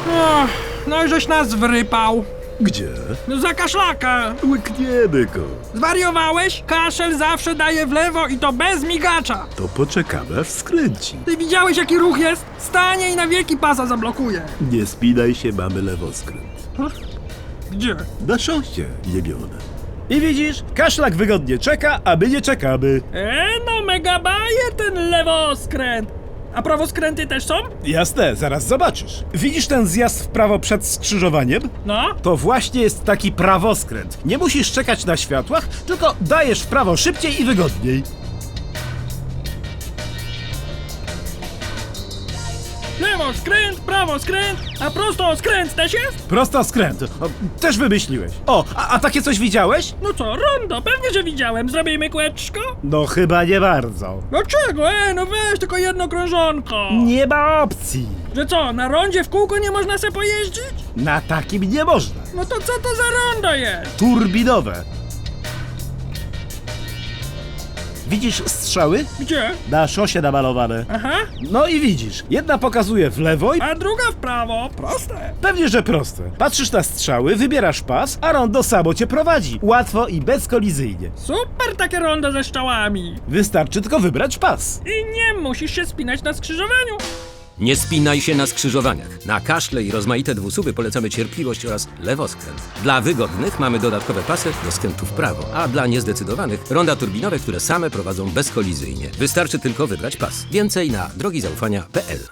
No i żeś nas wrypał. Gdzie? No za kaszlaka. Łykniemy go. Zwariowałeś? Kaszel zawsze daje w lewo i to bez migacza. To poczekamy, aż skręci. Ty widziałeś, jaki ruch jest? Stanie i na wieki pasa zablokuje. Nie spinaj się, mamy lewoskręt. Gdzie? Na szosie, jebione. I widzisz, kaszlak wygodnie czeka, a my nie czekamy. No mega bajer ten lewoskręt. A prawoskręty też są? Jasne, zaraz zobaczysz. Widzisz ten zjazd w prawo przed skrzyżowaniem? No. To właśnie jest taki prawoskręt. Nie musisz czekać na światłach, tylko dajesz w prawo szybciej i wygodniej. Lewoskręt, prawoskręt, a prostoskręt też jest? Prosto skręt. O, też wymyśliłeś. O, a takie coś widziałeś? No co, rondo, pewnie, że widziałem. Zrobimy kółeczko? No chyba nie bardzo. Dlaczego? No weź tylko jedno krążonko. Nie ma opcji. Że co, na rondzie w kółko nie można se pojeździć? Na takim nie można. No to co to za rondo jest? Turbinowe. Widzisz strzały? Gdzie? Na szosie namalowane. Aha, No i widzisz, jedna pokazuje w lewo i a druga w prawo. Proste. pewnie, że proste. Patrzysz na strzały, wybierasz pas, a rondo samo cię prowadzi. Łatwo i bezkolizyjnie. Super takie rondo ze szczałami. Wystarczy tylko wybrać pas. I nie musisz się spinać na skrzyżowaniu. Nie spinaj się na skrzyżowaniach. Na kaszle i rozmaite dwusuwy polecamy cierpliwość oraz lewoskręt. Dla wygodnych mamy dodatkowe pasy do skrętu w prawo, a dla niezdecydowanych ronda turbinowe, które same prowadzą bezkolizyjnie. Wystarczy tylko wybrać pas. Więcej na drogizaufania.pl.